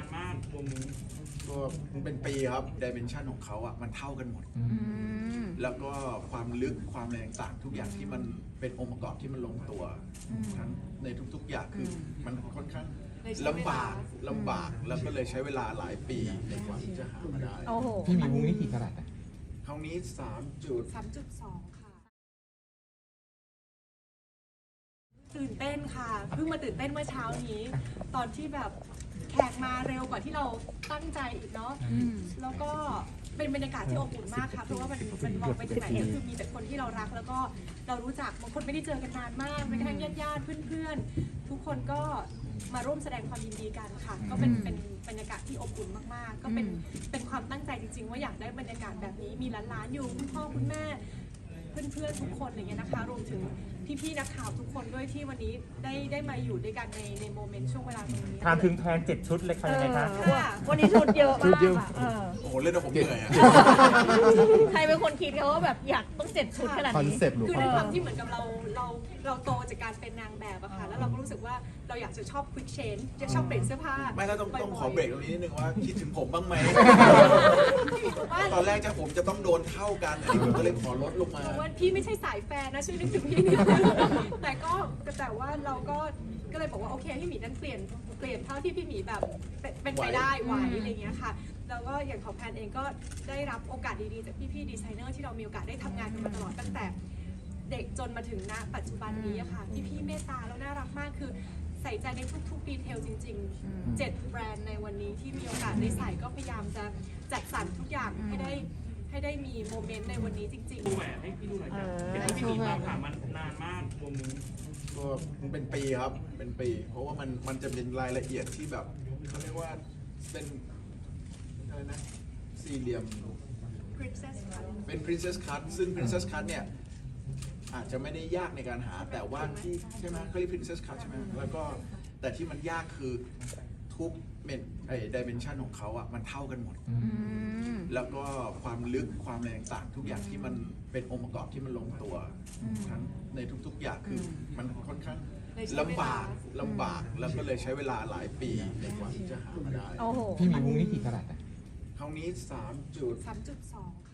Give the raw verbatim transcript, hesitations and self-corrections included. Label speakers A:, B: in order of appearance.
A: มากวงนี้
B: ก็มันเป็นปีครับดิเมนชันของเขาอ่ะมันเท่ากันหมดแล้วก็ความลึกความแรงต่างทุกอย่างที่มันเป็นองค์ประกอบที่มันลงตัวทั้งในทุกๆอย่างคือมันค่อนข้างลำบากลำบากแล้วก็เลยใช้เวลาหลายปีในกว่าที่จะหามาได้
C: พี่มีวงนี้กี่กะรัตอ่ะ
B: คราวนี้สามจุด
D: สามจุดสองค่ะตื่นเต้นค่ะเพิ่งมาตื่นเต้นเมื่อเช้านี้ ตอนที่แบบแขกมาเร็วกว่าที่เราตั้งใจอีกเนาะแล้วก็เป็นบรรยากาศที่อบอุ่นมากค่ะเพราะว่ามันมันมองไปที่ไหนก็คือมีแต่คนที่เรารักแล้วก็เรารู้จักบางคนไม่ได้เจอกันนานมากแม้กระทั่งญาติญาติเพื่อนๆทุกคนก็มาร่วมแสดงความยินดีกันค่ะก็เป็นเป็นบรรยากาศที่อบอุ่นมากๆก็เป็นเป็นความตั้งใจจริงๆว่าอยากได้บรรยากาศแบบนี้มีหลานๆอยู่คุณพ่อคุณแม่เพื่อนๆทุกคนอย่างเงี้ยนะคะรวมถึงพี่ๆนักข่าวทุกคนด้วยที่วันนี้ได้ได้มาอยู่ด้วยกันในในโมเมนต์ช่วงเวลาตรงนี้
E: ถามถึงแทนเจ็ดชุดเลยค่ะยังไงคะ
F: วันนี้ชุดเยอะมากค่ะ
B: โอ้โหเล่นแล้วผมเหนื่อยอ่ะ
F: ใครเป็นคนคิดเขาว่าแบบอยากต้องเจ็ดชุดขนาดนี้
D: คือในความที่เหมือนกับเราเราเราโตจากการเป็นนางแบบอะค่ะแล้วเราก็รู้สึกว่าเราอยากจะชอบ quick change จะชอบเปลี่ยนเสื้อผ้า
B: ไม่แล้วต้องต้องขอเบรกตรงนี้นิดนึงว่าคิดถึงผมบ้างไหมตอนแรกจะผมจะต้องโดนเท่ากันอันนี้ผมก็เลยขอลดลงมา
D: ว่าพี่ไม่ใช่สายแฟนนะช่วยนึกถึงพี่นิดแต่ก็แต่ว่าเราก็ก็เลยบอกว่าโอเคพี่หมีนั้นเปลี่ยนเปลี่ยนเท่าที่พี่หมีแบบเป็นไปได้ไหวอะไรเงี้ยค่ะแล้วก็อย่างของแพนเองก็ได้รับโอกาสดีๆจากพี่ๆดีไซเนอร์ที่เรามีโอกาสได้ทำงานกันมาตลอดตั้งแต่เด็กจนมาถึงณปัจจุบันนี้ค่ะพี่ๆเมตตาแล้วน่ารักมากคือใส่ใจในทุกๆดีเทลจริงๆเจ็ดแบรนด์ในวันนี้ที่มีโอกาสได้ใส่ก็พยายามจะจัดสรรทุกอย่างให้ได้ให้ได้มีโมเมนต์ในวันนี้จริงๆ
A: ดูแหวนให้พี่ดูหน่อยจ้ะเป็นที่พี่หมีตามหามันนานมากวงนี้
B: ก็มันเป็นปีครับเป็นปีเพราะว่ามันมันจะเป็นรายละเอียดที่แบบเขาเรียกว่าเป็นอะไรนะสี่เหลี่ยม
D: Princess Cut
B: เป็น Princess Cut ซึ่ง Princess Cut เนี่ยอาจจะไม่ได้ยากในการหาแต่ว่าที่ใช่ไหมเขาเรียก Princess Cut ใช่ไหมแล้วก็แต่ที่มันยากคือทุกเมนไอ้ดิเมนชันของเขาอ่ะมันเท่ากันหมดแล้วก็ความลึกความแรงต่างทุกอย่างที่มันเป็นองค์ประกอบที่มันลงตัวทั้งในทุกๆอย่างคือมันค่อนข้างลำบากลำบากแล้วก็เลยใช้เวลาหลายปีในกว่าที่จะหามาได้
C: พี่มีวงนี้กี่กะรัตอ่ะ
B: คราวนี้สามจุด
D: สามจุดสอง